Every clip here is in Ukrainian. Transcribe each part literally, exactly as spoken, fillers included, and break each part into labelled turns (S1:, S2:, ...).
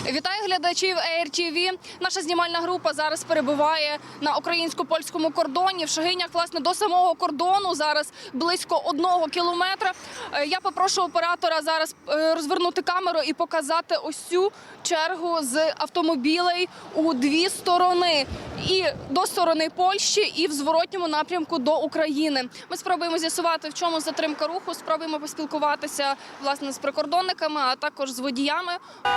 S1: Вітаю глядачів Ей Ар Ті Ві. Наша знімальна група зараз перебуває на українсько-польському кордоні. В Шегинях, власне, до самого кордону зараз близько одного кілометра. Я попрошу оператора зараз розвернути камеру і показати ось цю чергу з автомобілей у дві сторони. І до сторони Польщі, і в зворотньому напрямку до України. Ми спробуємо з'ясувати, в чому затримка руху, спробуємо поспілкуватися, власне, з прикордонниками, а також з водіями.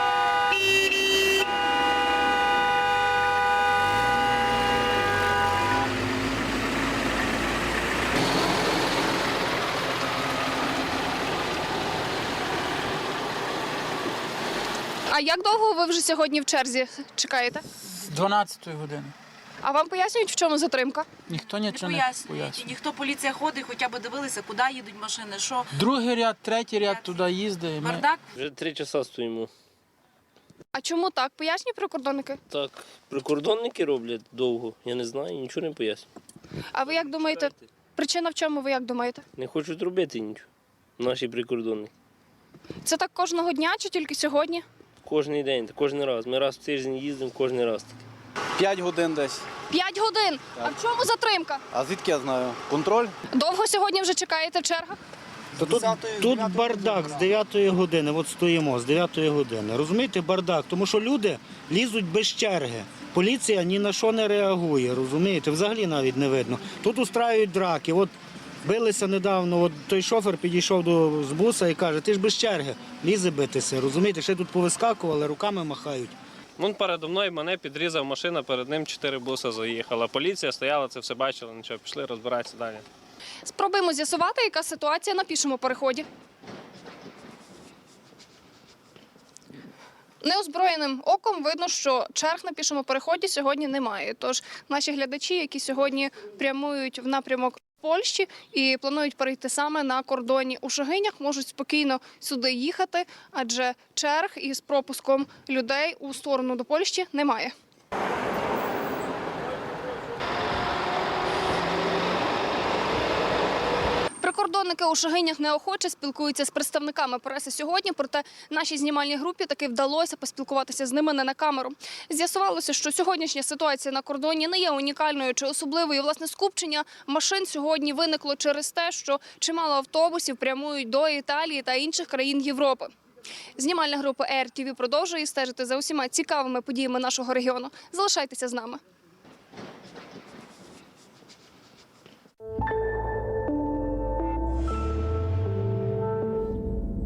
S1: А як довго ви вже сьогодні в черзі чекаєте?
S2: З дванадцятої години.
S1: А вам пояснюють, в чому затримка?
S2: Ніхто
S3: Не
S2: нічого не
S3: пояснюють.
S2: пояснює.
S3: Ніхто, поліція ходить, хоча б дивилися, куди їдуть машини, що.
S2: Другий ряд, третій ряд туди їздить. Ми...
S3: Бардак.
S4: Вже три часа стоїмо.
S1: А чому так? Пояснюють прикордонники?
S4: Так, прикордонники роблять довго, я не знаю, нічого не поясню.
S1: А ви як думаєте, причина в чому, ви як думаєте?
S4: Не хочуть робити нічого, наші прикордонники.
S1: Це так кожного дня чи тільки сьогодні?
S4: Кожний день, кожен раз. Ми раз в тиждень їздимо, кожен раз таки.
S5: П'ять годин десь.
S1: П'ять годин. А в чому затримка?
S5: А звідки я знаю? Контроль?
S1: Довго сьогодні вже чекаєте в чергах?
S6: Та тут, тут бардак з дев'ятої години, от стоїмо, з дев'ятої години. Розумієте, бардак, тому що люди лізуть без черги. Поліція ні на що не реагує, розумієте, взагалі навіть не видно. Тут устраюють драки, от билися недавно, от той шофер підійшов до з буса і каже, ти ж без черги, лізе битися, розумієте, ще тут повискакували, руками махають.
S7: Він передо мною мене підрізав машина, перед ним чотири буса заїхала. Поліція стояла, це все бачила, нічого, пішли розбиратися далі.
S1: Спробуємо з'ясувати, яка ситуація на пішому переході. Неозброєним оком видно, що черг на пішому переході сьогодні немає. Тож наші глядачі, які сьогодні прямують в напрямок Польщі і планують перейти саме на кордоні у Шегинях, можуть спокійно сюди їхати, адже черг із пропуском людей у сторону до Польщі немає. Прикордонники у Шегинях неохоче спілкуються з представниками преси сьогодні, проте нашій знімальній групі таки вдалося поспілкуватися з ними не на камеру. З'ясувалося, що сьогоднішня ситуація на кордоні не є унікальною чи особливою. Власне, скупчення машин сьогодні виникло через те, що чимало автобусів прямують до Італії та інших країн Європи. Знімальна група Ей Ар Ті Ві продовжує стежити за усіма цікавими подіями нашого регіону. Залишайтеся з нами.